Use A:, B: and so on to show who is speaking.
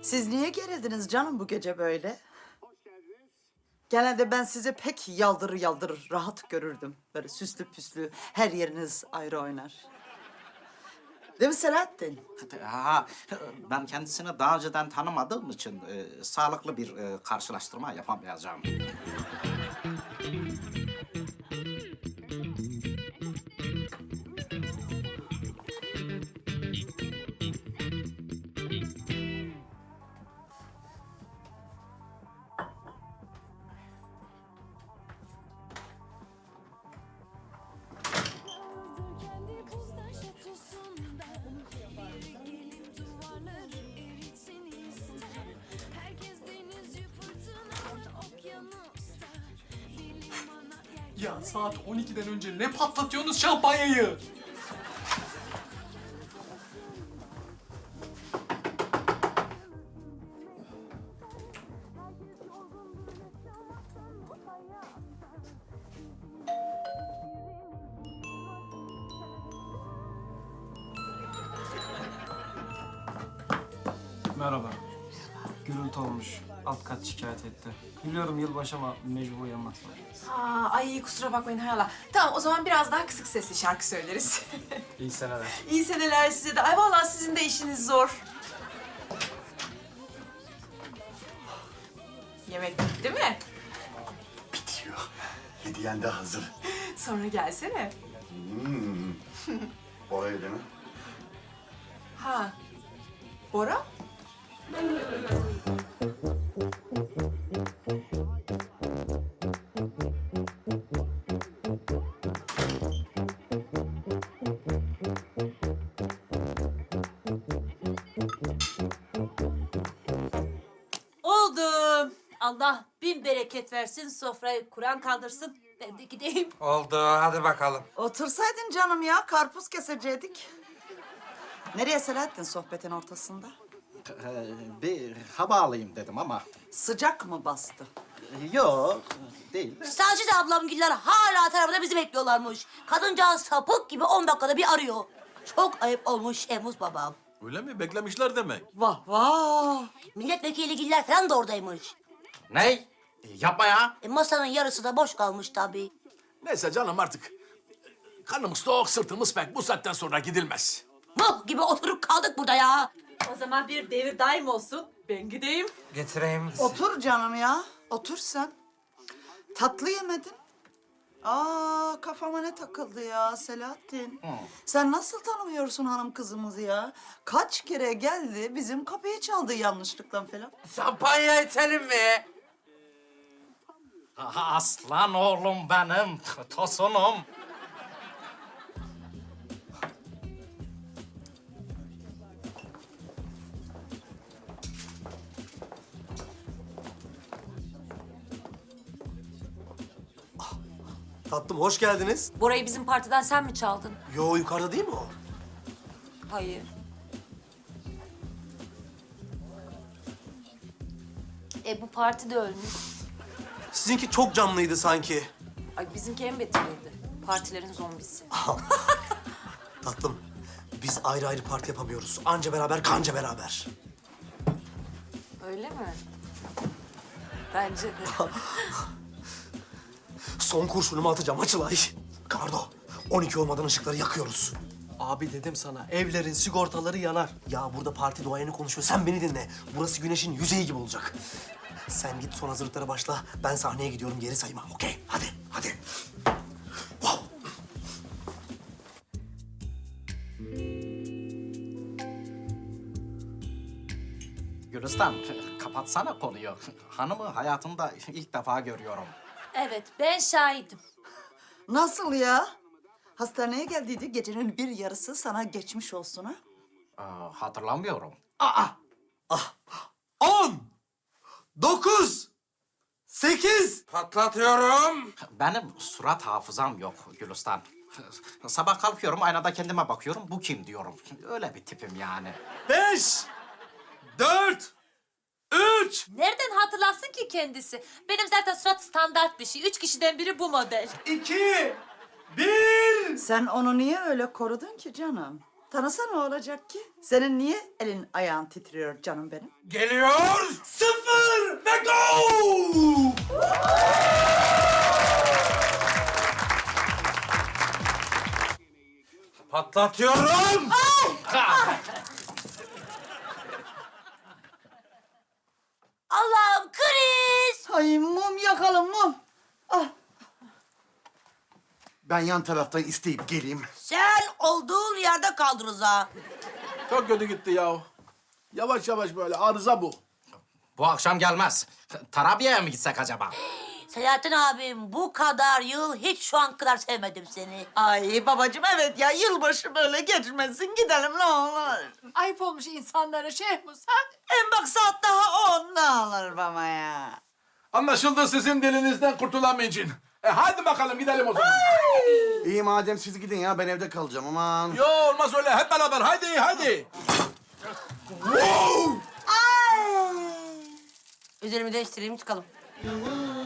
A: Siz niye gerildiniz canım bu gece böyle? Genelde ben sizi pek yaldırır yaldırır rahat görürdüm. Böyle süslü püslü her yeriniz ayrı oynar. Değil mi Selahattin?
B: Ha, ben kendisini daha önceden tanımadığım için sağlıklı bir karşılaştırma yapamayacağım.
C: Kendi buzdan şatosundan biri gelip duvarları eritsin ister. Herkes denizci fırtınalı okyanusta. Bir limana
D: Ya saat 12'den önce ne patlatıyorsunuz şampanyayı?
E: Merhaba. Gürültü olmuş. Alt kat şikayet etti. Biliyorum yılbaşı ama mecbur uyanmak zorundayız.
F: Ay kusura bakmayın hay Allah. Tamam o zaman biraz daha kısık sesli şarkı söyleriz.
E: İyi seneler.
F: İyi seneler size de. Ay vallahi sizin de işiniz zor. Yemek bitti mi?
G: Bitiyor. Hediyen de hazır.
F: Sonra gelsene.
G: Oraya değil mi?
F: Ha. Bora?
H: Oldu. Allah bin bereket versin, sofrayı Kur'an kaldırsın. Ben de gideyim.
I: Oldu, hadi bakalım.
A: Otursaydın canım ya, karpuz kesecektik. Nereye Selahattin sohbetin ortasında?
B: Bir hava alayım dedim ama
A: Sıcak mı bastı?
B: yok değil.
H: Sacide ablamgiller hala tarafında bizi bekliyorlarmış. Kadıncağız sapık gibi 10 dakikada bir arıyor. Çok ayıp olmuş Emuz babam.
J: Öyle mi? Beklemişler demek.
A: Vah vah!
H: Milletvekiligiller falan da oradaymış.
B: Ne? Yapma ya.
H: Masanın yarısı da boş kalmış tabii.
J: Neyse canım artık. Karnımız tok, sırtımız pek. Bu saatten sonra gidilmez.
H: Mıh gibi oturup kaldık burada ya.
F: O zaman bir devir daim olsun. Ben gideyim.
I: Getireyim.
A: Otur canım ya, otur sen. Tatlı yemedin. Kafama ne takıldı ya Selahattin. Sen nasıl tanımıyorsun hanım kızımızı ya? Kaç kere geldi bizim kapıyı çaldı yanlışlıkla falan.
I: Şampanya içelim mi?
B: Aslan oğlum benim, tosunum.
D: Tatlım hoş geldiniz.
F: Bora'yı bizim partiden sen mi çaldın?
D: Yo yukarıda değil mi o?
F: Hayır.
H: Bu parti de ölmüş.
D: Sizinki çok canlıydı sanki.
F: Ay bizimki en beteriydi. Partilerin zombisi.
D: Tatlım biz ayrı ayrı parti yapamıyoruz. Anca beraber kanca beraber.
F: Öyle mi? Bence de.
D: Son kurşunumu atacağım Açılay. Kardo 12 olmadan ışıkları yakıyoruz.
K: Abi dedim sana, evlerin sigortaları yanar.
D: Ya burada parti duayeni konuşuyor. Sen beni dinle. Burası güneşin yüzeyi gibi olacak. Sen git son hazırlıklara başla. Ben sahneye gidiyorum geri sayma. Okey? Hadi, hadi. Wow.
B: Gülistan, kapatsana konuyu. Hanımı hayatımda ilk defa görüyorum.
H: Evet ben şahidim.
A: Nasıl ya? Hastaneye geldiydi, gecenin bir yarısı sana geçmiş olsun ha?
B: Hatırlamıyorum.
D: 10, 9, 8.
I: Patlatıyorum.
B: Benim surat hafızam yok Gülistan. Sabah kalkıyorum, aynada kendime bakıyorum. Bu kim diyorum. Öyle bir tipim yani.
D: 5, 4, 3,
H: Nereden hatırlasın ki kendisi? Benim zaten surat standart bir şey. 3 kişiden biri bu model.
D: 2, 1.
A: Sen onu niye öyle korudun ki canım? Tanısa ne olacak ki? Senin niye elin ayağın titriyor canım benim?
I: Geliyor.
J: 0 ve go!
I: Patlatıyorum.
H: Allah'ım kriz!
A: Ay mum yakalım mum. Ah.
G: Ben yan taraftan isteyip geleyim.
H: Sen olduğun yerde kal Rıza.
J: Çok kötü gitti ya. Yavaş yavaş böyle arıza bu.
B: Bu akşam gelmez. Tarabya'ya mı gitsek acaba?
H: Selahattin abim bu kadar yıl hiç şu an kadar sevmedim seni.
A: Ay babacığım evet ya yılbaşı böyle geçmesin gidelim ne olur.
F: Ayıp olmuş insanlara Şehmus ha?
A: En bak saat daha 10 ne olur baba ya.
J: Anlaşıldı sizin dilinizden kurtulamayacağım. Hadi bakalım gidelim o zaman.
G: İyi madem siz gidin ya ben evde kalacağım aman.
J: Yo olmaz öyle hep beraber hadi.
H: Üzerimi değiştireyim çıkalım.